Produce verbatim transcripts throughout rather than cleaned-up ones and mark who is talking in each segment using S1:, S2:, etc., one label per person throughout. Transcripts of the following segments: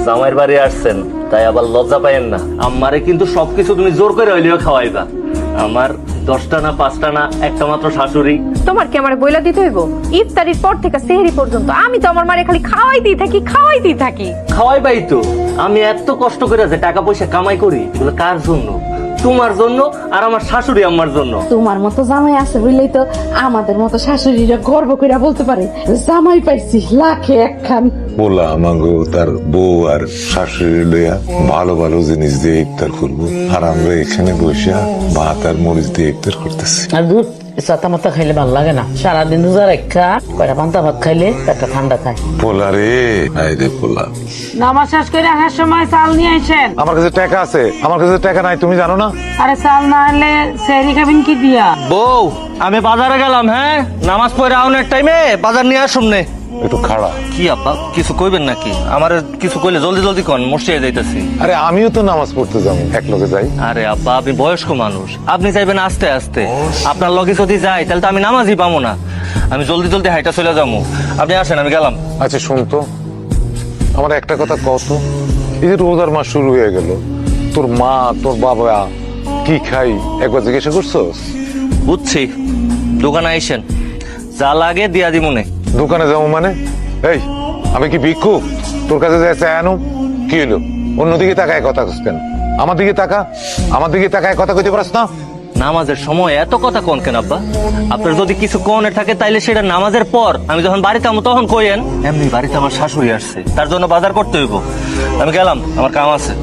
S1: জামাইয়ের বাড়ি আসছেন, তাই আবার লজ্জা পাইয়েন না। আমারে কিন্তু সবকিছু তুমি জোর করে হইলেও খাওয়াইবা। আমার দশটা না পাঁচটা না একটা মাত্র শাশুড়ি।
S2: তোমার কি আমার বইলা দিতে হইব? ইফতারির পর থেকে সেহরি পর্যন্ত আমি তো আমার মারে খালি খাওয়াইতেই থাকি খাওয়াইতেই থাকি।
S1: খাওয়াইবাই তো। আমি এত কষ্ট করে যে টাকা পয়সা কামাই করি, এগুলো কার জন্য? তোমার জন্য আর আমার শাশুড়ি আম্মার জন্য।
S3: তোমার মতো জামাই আছে বুঝলেই তো আমাদের মতো শাশুড়িরা গর্ব করে বলতে পারে জামাই পাইছি লাখে একখান।
S4: বলা আমাগো তার বউ আর শাশুড়ি লইয়া ভালো ভালো জিনিস দিয়ে ইফতার করবো, আর আমরা এখানে বসে ভাত আর মরিচ দিয়ে ইফতার করতেছি।
S5: আর দুধ চাতা মাতা খাইলে ভালো লাগে না। সারাদিন রোজা রেখা কয়টা পান্তা ভাত খাইলে একটা ঠান্ডা খায়।
S4: পোলা রে, আয় রে পোলা।
S6: নামাজ শেষ করে আসার সময় চাল নিয়ে আসেন।
S4: আমার কাছে টাকা আছে, আমার কাছে টাকা নাই, তুমি জানো না?
S6: আরে চাল না আনলে সেহরি খাবেন কি দিয়া?
S1: বউ, আমি বাজারে গেলাম। হ্যাঁ, নামাজ পড়ে আউনের টাইমে বাজার নিয়ে আসুন নে।
S4: একটু খাড়া।
S1: কি আপা, কিছু কইবেন নাকি? আমার কিছু কইলে জলদি জলদি কন, মসজিদে যাইতেছি।
S4: আরে আমিও তো নামাজ পড়তে যাবো, এক লোকে যাই।
S1: আরে আব্বা, আপনি বয়স্ক মানুষ, আপনি যাইবেন আস্তে আস্তে। আপনার লগে যদি যাই তাহলে তো আমি নামাজই পাবো না। আমি জলদি জলদি হাইটা চলে যাবো। আপনি আসেন, আমি গেলাম।
S4: আচ্ছা শুন তো, আমার একটা কথা কত, এই যে রোজার মাস শুরু হয়ে গেল, তোর মা তোর বাবা কি খাই একবার জিজ্ঞাসা করছোস?
S1: বুঝছি, দোকানে আইসেন, যা লাগে দিয়া দিমুনে।
S4: দোকানে যাবো মানে? এই আমি কি ভিক্ষুক তোর কাছে যাই চাই আনো? কি হলো, অন্যদিকে তাকায় কথা কস কেন? আমার দিকে তাকা, আমার দিকে তাকায় কথা কইতে পারস না?
S1: নামাজের সময় এত কথা কোন কেন আব্বা? আপনার যদি কিছু কোনের থাকে তাইলে সেটা নামাজের পর, আমি যখন বাড়িতে আমো তখন কইেন। এমনি বাড়িতে আমার শাশুড়ি আসছে, তার জন্য বাজার করতে হইব। আমি গেলাম, আমার কাম আছে।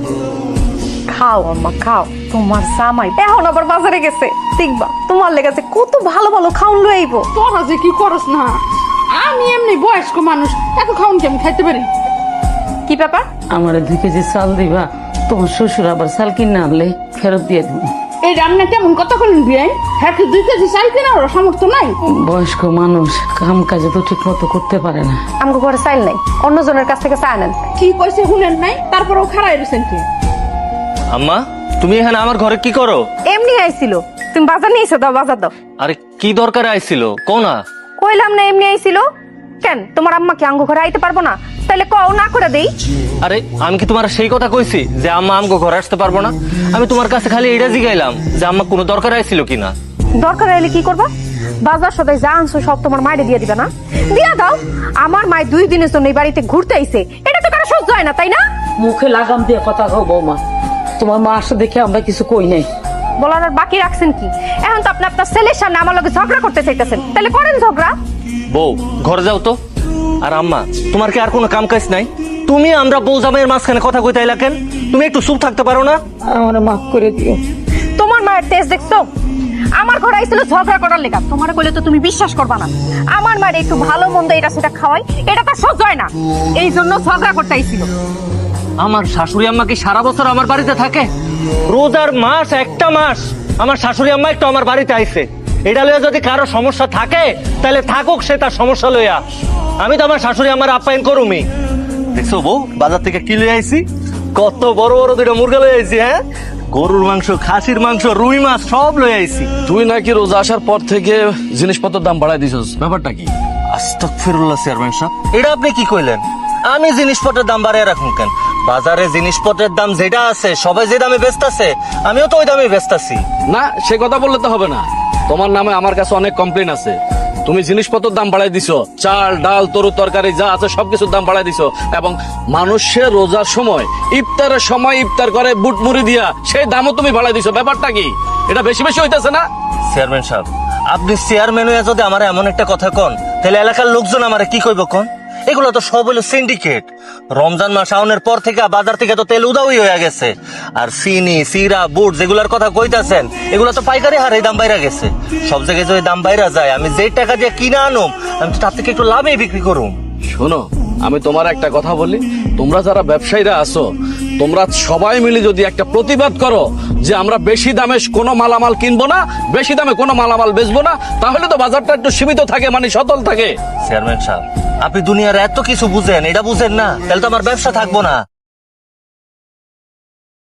S2: খাও আম্মা খাও, তোমার জামাই এখন আবার বাজারে গেছে, দেখবা তোমার লেগেছে কত ভালো ভালো খাউন লই আইবো।
S3: তোরা যে কি করস না, আমি এমনি বয়স্ক মানুষ, এত খাওন কি আমি খাইতে পারি?
S2: কি ব্যাপার?
S5: আমার দুই কেজি চাল দিবা, তোমার শ্বশুর আবার চাল কিনে আনলে ফেরত দিয়ে দিব।
S3: এই রান্না কেমন কথা বলেন বিয়াই? হ্যাঁ কি দুই কেজি চাল কেনার সামর্থ্য নাই?
S5: বয়স্ক মানুষ কাম কাজে তো ঠিক মতো করতে পারে না।
S2: আমগো ঘরে চাইল নাই, অন্যজনের কাছ থেকে চা নেন।
S3: কি কইছে শুনেন নাই? তারপরেও খারাই রয়েছেন কি?
S1: আম্মা, তুমি এখানে আমার ঘরে কি করো?
S2: এমনি আইছিল, তুমি বাজার নিয়ে এসো, দাও বাজার দাও।
S1: আরে কি দরকারে আইছিল কও না?
S2: কইলাম না এমনি আইছিল। কেন তোমার আম্মা কি আঙ্গো ঘরে আইতে পারবো না? তাইলে কও না করে দেই।
S1: আরে আমি কি তোমার সেই কথা কইছি যে আম্মা আমগো ঘরে আসতে পারবো না? আমি তোমার কাছে খালি এটা জিগাইলাম যে আম্মা কোনো দরকার আইছিল কিনা।
S2: দরকার হলে কি করবা? বাজার সদাই যা আনছো সব তোমার মায়ের দিয়ে দিবে না? দিয়া দাও। আমার মায়ের দুই দিনের জন্য এই বাড়িতে ঘুরতে আইছে, এটা তো কারো সহ্য হয় না, তাই না?
S5: মুখে লাগাম দিয়ে কথা কও বৌমা, তোমার মা আসতে দেখে আমরা কিছু কই নাই।
S2: বলার আর বাকি রাখছেন কি? এখন তো আপনি আপনার ছেলের সামনে আমার লগে ঝগড়া করতে চাইতেছেন, তাহলে করেন ঝগড়া।
S1: বউ, ঘরে যাও তো। আর আম্মা, তোমার কি আর কোনো কাম কাজ নাই? তুমি আমরা বউ জামাইয়ের মাঝখানে কথা কইতে আইলা কেন? তুমি একটু চুপ থাকতে পারো না?
S5: আমার মাফ করে দিও।
S2: তোমার মায়ের তেজ দেখছো? আমার ঘরে আইছিল ঝগড়া করার লেগা। তোমার কইলে তো তুমি বিশ্বাস করবা না। আমার মায়ের একটু ভালো মন্দ এটা সেটা খাওয়াই, এটা তো সহ্য হয় না, এই জন্য ঝগড়া করতে আইছিল।
S1: আমার শাশুড়ি আম্মা কি সারা বছর আমার বাড়িতে থাকে? রোজার মাস একটা মাস আমার শাশুড়ি আম্মা একটু আমার বাড়িতে আইছে। এটা লইয়া যদি কারো সমস্যা থাকে তাহলে থাকুক, সে তার সমস্যা লইয়া। আমি তো আমার শাশুড়ি আমার আপ্যায়ন করুমি। দেখছো বউ, বাজার থেকে কি লই আইছি? কত বড় বড় দুইটা মুরগা লই আইছি। হ্যাঁ, গরুর মাংস, খাসির মাংস, রুই মাছ সব লই আইছি।
S7: তুই নাকি রোজা আসার পর থেকে জিনিসপত্রের দাম বাড়াই দিছস, ব্যাপারটা কি?
S1: আস্তাগফিরুল্লাহ চেয়ারম্যান সাহেব, এটা আপনি কি কইলেন? আমি জিনিসপত্রের দাম বাড়ায় রাখুন কেন? বাজারে জিনিসপত্রের দাম যেটা আছে, সবাই যে দামে বেচতাছে, আমিও তো ওই দামে বেচতাছি।
S7: না, সে কথা বললে তো হবে না। তোমার নামে আমার কাছে অনেক কমপ্লেন আছে। তুমি জিনিসপত্রের দাম বাড়াই দিছো, চাল ডাল তরু তরকারি যা আছে সবকিছুর দাম বাড়াই দিছো, এবং মানুষের রোজার সময় ইফতারের সময় ইফতার করে বুট মুড়ি দিয়া সেই দামও তুমি বাড়াই দিছো। ব্যাপারটা কি? এটা বেশি বেশি হইতেছে না?
S1: চেয়ারম্যান সাহেব, আপনি চেয়ারম্যান হয়ে যদি আমার এমন একটা কথা কন, তাহলে এলাকার লোকজন আমারে কি কইব কন? এগুলো তো সব হলো সিন্ডিকেট। রমজান মাস আউনের পর থেকে বাজার থেকে তো তেল উদাউই হয়ে গেছে। আর চিনি, সিরা, বুট যেগুলার কথা কইতাছেন, এগুলো তো পাইকারি হারে দাম বাইরা গেছে। সব জায়গায় যদি দাম বাইরা যায়, আমি যে টাকা দিয়ে কিনা আনুম, আমি তো তার থেকে একটু লাভে বিক্রি করুম।
S7: শোনো, আমি তোমার একটা কথা বলি, তোমরা যারা ব্যবসায়ীরা আছো, তোমরা সবাই মিলে যদি একটা প্রতিবাদ করো যে আমরা বেশি দামে কোনো মালামাল কিনবো না, বেশি দামে কোনো মালামাল বেচবো না, তাহলে তো বাজারটা একটু সীমিত থাকে, মানে সতল থাকে।
S1: চেয়ারম্যান সাহেব, আপনি দুনিয়ার এত কিছু বুঝেন, এটা বুঝেন না, তাহলে তো আমার ব্যবসা থাকবো না।